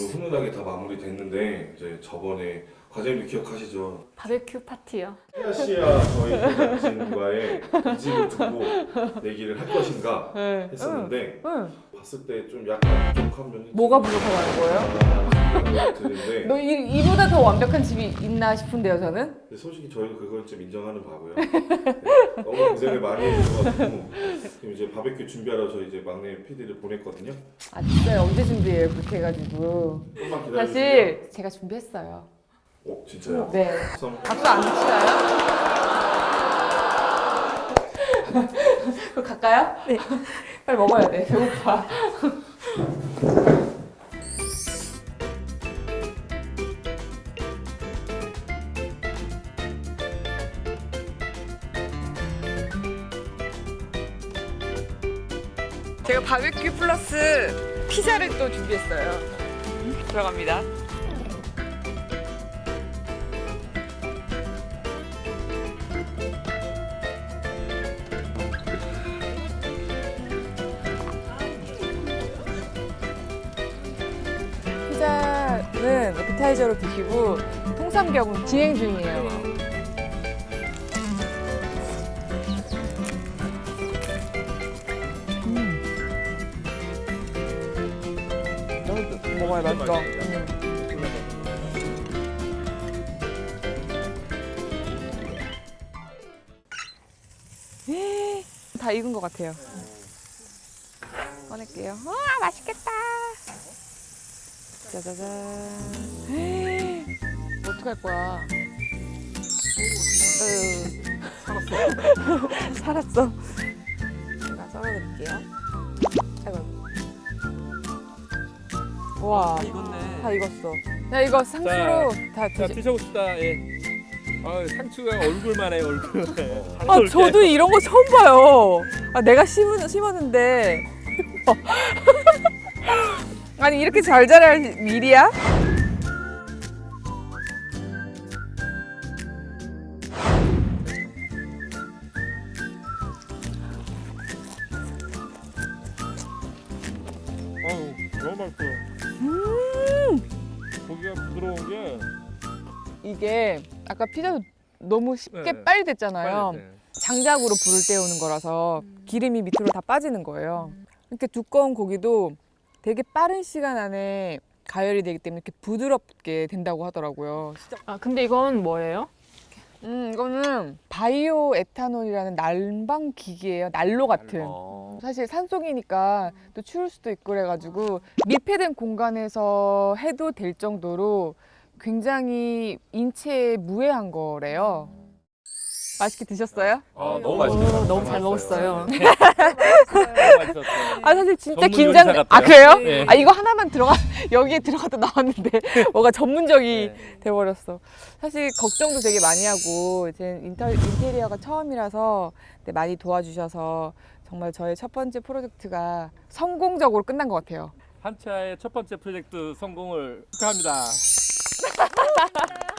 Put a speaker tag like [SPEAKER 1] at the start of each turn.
[SPEAKER 1] 모두 훈훈하게 다 마무리됐는데 이제 저번에 과장님 기억하시죠?
[SPEAKER 2] 바베큐 파티요.
[SPEAKER 1] 희아 씨와 저희 제작진과의 이 집을 두고 얘기를 할 것인가
[SPEAKER 2] 네.
[SPEAKER 1] 했었는데
[SPEAKER 2] 응.
[SPEAKER 1] 봤을 때 좀 약간 부족한 면이
[SPEAKER 2] 뭐가 부족하다는 거예요?
[SPEAKER 1] 드는데
[SPEAKER 2] 너 이보다 더 완벽한 집이 있나 싶은데요, 저는?
[SPEAKER 1] 근데 솔직히 저희도 그걸 좀 인정하는 바고요. 네, 너무 고생을 많이 해주셔가지고 지금 이제 바베큐 준비하러 저희 이제 막내 PD를 보냈거든요.
[SPEAKER 2] 아, 진짜요? 언제 준비해요? 그렇게 해가지고.
[SPEAKER 1] 조금만 기다려주세요.
[SPEAKER 2] 사실 제가 준비했어요.
[SPEAKER 1] 진짜요?
[SPEAKER 2] 네.
[SPEAKER 1] 선-
[SPEAKER 2] 박수 안 치나요? 그럼 갈까요? 네. 빨리 먹어야 돼. 배고파. 제가 바베큐 플러스 피자를 또 준비했어요. 들어갑니다. 피자는 에피타이저로 드시고 통삼겹은 진행 중이에요. 너무 먹어야 맛있어. 다 익은 것 같아요. 꺼낼게요. 와, 맛있겠다. 짜자잔. 어떡할 거야? 살았어. 살았어. 제가 썰어드릴게요. 아이고. 와,
[SPEAKER 3] 익었네.
[SPEAKER 2] 다 익었어. 나 이거 상추로 다
[SPEAKER 3] 자,
[SPEAKER 2] 드시.
[SPEAKER 3] 드셔봅시다. 예. 상추가 얼굴만 해, 얼굴.
[SPEAKER 2] 아, 저도 이런 거 처음 봐요. 아, 내가 심었는데. 아니, 이렇게 잘 자랄 일이야?
[SPEAKER 3] 너무 맛있어요. 고기가 부드러운 게
[SPEAKER 2] 이게 아까 피자도 너무 쉽게
[SPEAKER 3] 네.
[SPEAKER 2] 빨리 됐잖아요.
[SPEAKER 3] 빨리 돼.
[SPEAKER 2] 장작으로 불을 때우는 거라서 기름이 밑으로 다 빠지는 거예요. 이렇게 두꺼운 고기도 되게 빠른 시간 안에 가열이 되기 때문에 이렇게 부드럽게 된다고 하더라고요.
[SPEAKER 4] 아, 근데 이건 뭐예요?
[SPEAKER 2] 이거는 바이오 에탄올이라는 난방 기기예요. 난로 같은. 사실 산속이니까 또 추울 수도 있고 그래가지고 밀폐된 공간에서 해도 될 정도로 굉장히 인체에 무해한 거래요. 맛있게 드셨어요?
[SPEAKER 3] 너무 맛있어요.
[SPEAKER 4] 너무 잘 먹었어요.
[SPEAKER 3] 너무 맛있었어요.
[SPEAKER 2] 아, 사실 진짜
[SPEAKER 3] 전문
[SPEAKER 2] 긴장.
[SPEAKER 3] 요리사
[SPEAKER 2] 아,
[SPEAKER 3] 같아요.
[SPEAKER 2] 그래요?
[SPEAKER 3] 네.
[SPEAKER 2] 아, 이거 하나만 여기에 들어가도 나왔는데 뭐가 전문적이
[SPEAKER 3] 네.
[SPEAKER 2] 돼버렸어. 사실 걱정도 되게 많이 하고 이제 인테리어가 처음이라서 네, 많이 도와주셔서 정말 저의 첫 번째 프로젝트가 성공적으로 끝난 것 같아요.
[SPEAKER 3] 한차의 첫 번째 프로젝트 성공을 축하합니다.